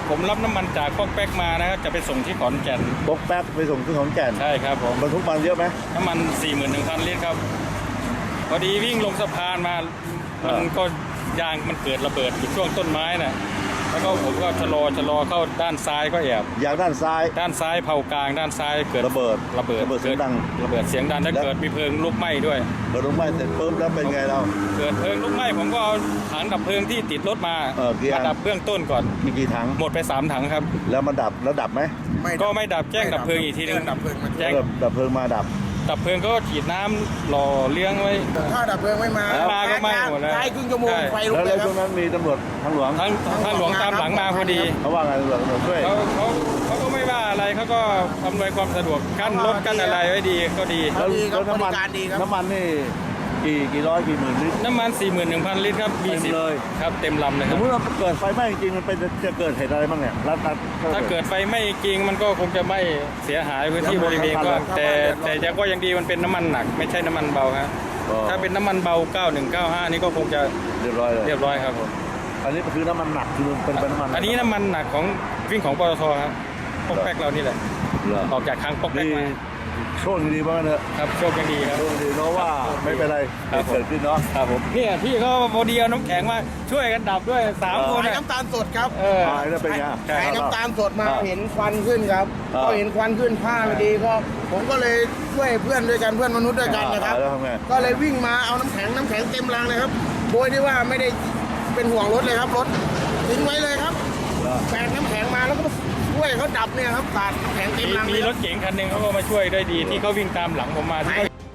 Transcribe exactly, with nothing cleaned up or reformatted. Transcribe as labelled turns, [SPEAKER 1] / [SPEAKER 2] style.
[SPEAKER 1] ผมรับน้ำมันจากพวกแป๊กมานะครับจะไปส่งที่ขอนแก่น
[SPEAKER 2] บกแป๊กไปส่งที่ขอนแก่น
[SPEAKER 1] ใช่ครับผม
[SPEAKER 2] บรรทุกมันเยอะไหม
[SPEAKER 1] น้ำมัน สี่หมื่นหนึ่งพัน ลิตรครับพอดีวิ่งลงสะพานมา
[SPEAKER 2] เออ
[SPEAKER 1] มันก็ยางมันเกิดระเบิดอยู่ช่วงต้นไม้น่ะแล้วก็ผมก็ชะลอชะลอเข้าด้านซ้ายก็แอบ
[SPEAKER 2] ยางด้านซ้าย
[SPEAKER 1] ด้านซ้ายเผากลางด้านซ้ายเกิด
[SPEAKER 2] ระเบิด
[SPEAKER 1] ระเบิด
[SPEAKER 2] ระเบิดเสียงดัง
[SPEAKER 1] ระเบิดเสียงดังถ้า
[SPEAKER 2] แล้ว
[SPEAKER 1] เกิดมีเพลิงลุกไหม้ด้วย
[SPEAKER 2] บรรทุกไหม้เสร็จปุ๊บแล้วเป็นไงเรา
[SPEAKER 1] เกิดเพลิงลุกไหม้ผมก็เอาถังดับเพลิงที่ติดรถมา
[SPEAKER 2] เออกี่อั
[SPEAKER 1] มาน ดับเบื้องต้นก่อน
[SPEAKER 2] มีกี่ถัง
[SPEAKER 1] หมดไปสามถังครับ
[SPEAKER 2] แล้วมันดับแล้วดับไหม
[SPEAKER 1] ก็ไม่ดับแจ้งดับเพลิงอีกทีนึง
[SPEAKER 3] แจ้งดับเพลิงมา
[SPEAKER 1] แจ้ง
[SPEAKER 2] เออดับเพลิงมาดับ
[SPEAKER 1] ดับเพลิงก็ฉีดน้ำหล่อเลี้ยงไว้
[SPEAKER 3] ถ้าดับเพลิงไม่มา
[SPEAKER 1] แล้วมาก็ไหม้หมดแล้ว
[SPEAKER 3] ใช้ครึ่งชั่วโมง
[SPEAKER 1] ใช่
[SPEAKER 3] ไฟลุก
[SPEAKER 2] แล้ว
[SPEAKER 3] เล
[SPEAKER 2] แล้
[SPEAKER 3] ยว ค
[SPEAKER 2] ช่
[SPEAKER 3] รั
[SPEAKER 2] ว
[SPEAKER 3] บ
[SPEAKER 2] งนั้นมีตำรวจทางหลวง
[SPEAKER 1] ทั้งทางหลวงตามหลังมาพอดี
[SPEAKER 2] เขาว่าไงตำรวจตำรวจช่วย
[SPEAKER 1] เขาเขาเขาก็ไม่ว่าอะไรเขาก็อำนวยความสะดวกกั้นรถกั้นอะไรไว้ดีก็ดี
[SPEAKER 2] แล้ว
[SPEAKER 3] ดีครับ
[SPEAKER 2] แล้วน้ำมัน
[SPEAKER 3] บริการดีครับ
[SPEAKER 2] น้ำมันนี่กี่กี่ร้อยกี่หมื่นลิตร
[SPEAKER 1] น้ำมัน สี่หมื่นหนึ่งพัน ลิตรครับ
[SPEAKER 2] เต็ม
[SPEAKER 1] สิบ
[SPEAKER 2] เลย
[SPEAKER 1] ครับเต็มลำเลย
[SPEAKER 2] ส
[SPEAKER 1] ค
[SPEAKER 2] ม
[SPEAKER 1] รับ
[SPEAKER 2] มติว่าเกิดไฟไหม้จริงๆมันเป็นจะเกิดเหตุอะไรบ้างเนี่ยรัดรัด
[SPEAKER 1] ถ้าเกิดไฟไหม้จริงมันก็คงจะไหม้เสียหายพื้นที่บริเวณกว้างแต่แต่ยังก็ยังดีมันเป็นน้ำมันหนักไม่ใช่น้ำมันเบาครับถ้าเป็นน้ำมันเบา เก้าหนึ่งเก้าห้า นี่ก็คงจะ
[SPEAKER 2] เรียบร้อยเลย
[SPEAKER 1] เรียบร้อยครับผม
[SPEAKER 2] อันนี้คือน้ำมันหนักคือเป็นเป็นน้ำมัน
[SPEAKER 1] อันนี้น้ำมันหนักของวิ่งของปตทครับปอกแป๊กเรานี่แหละ
[SPEAKER 2] เหรอ
[SPEAKER 1] ออกจากคลังปอกแป๊ก
[SPEAKER 2] นี่
[SPEAKER 1] มา
[SPEAKER 2] โชคดีมากเนอะ
[SPEAKER 1] ครับโชคยังดีครับ
[SPEAKER 2] โชคดีเนาะว่าไม่เป็นไร
[SPEAKER 1] ครับผม
[SPEAKER 2] เกิดขึ้นเนาะ
[SPEAKER 1] ครับผมเนี่ยพี่เขาพอดีเอาน้ำแข็งมาช่วยกันดับด้วยสามคน
[SPEAKER 3] ขาย
[SPEAKER 1] อะ
[SPEAKER 3] น้ำตาลสดครับ
[SPEAKER 1] เออ
[SPEAKER 2] ตายแล้วเป็นไง
[SPEAKER 1] ใช่
[SPEAKER 3] ขายน้ำตาลสดมา
[SPEAKER 2] อ่า
[SPEAKER 3] เห็นควันขึ้นครับ
[SPEAKER 2] อ่า
[SPEAKER 3] ก็เห็นควันขึ้นผ้าพอดีก็ผมก็เลยช่วยเพื่อนด้วยกันเพื่อนมนุษย์ด้วยกันนะครับ
[SPEAKER 2] อ่าแล้วทำไง
[SPEAKER 3] ก็เลยวิ่งมาเอาน้ำแข็งน้ำแข็งเต็มรางเลยครับโดยที่ว่าไม่ได้เป็นห่วงรถเลยครับรถทิ้งไว้เลยครับ
[SPEAKER 2] เหรอ
[SPEAKER 3] แบกน้ำแข็งมาแล้วก็ช่วยเขาดับเนี่ยครับสาดน้ำแข็งเต็ม
[SPEAKER 1] มี
[SPEAKER 3] ราง
[SPEAKER 1] มี
[SPEAKER 3] เลย
[SPEAKER 1] รถเก๋งคันหนึ่งเขาก็มาช่วยได้ดีที่เขาวิ่งตามหลังผมมาที่เขา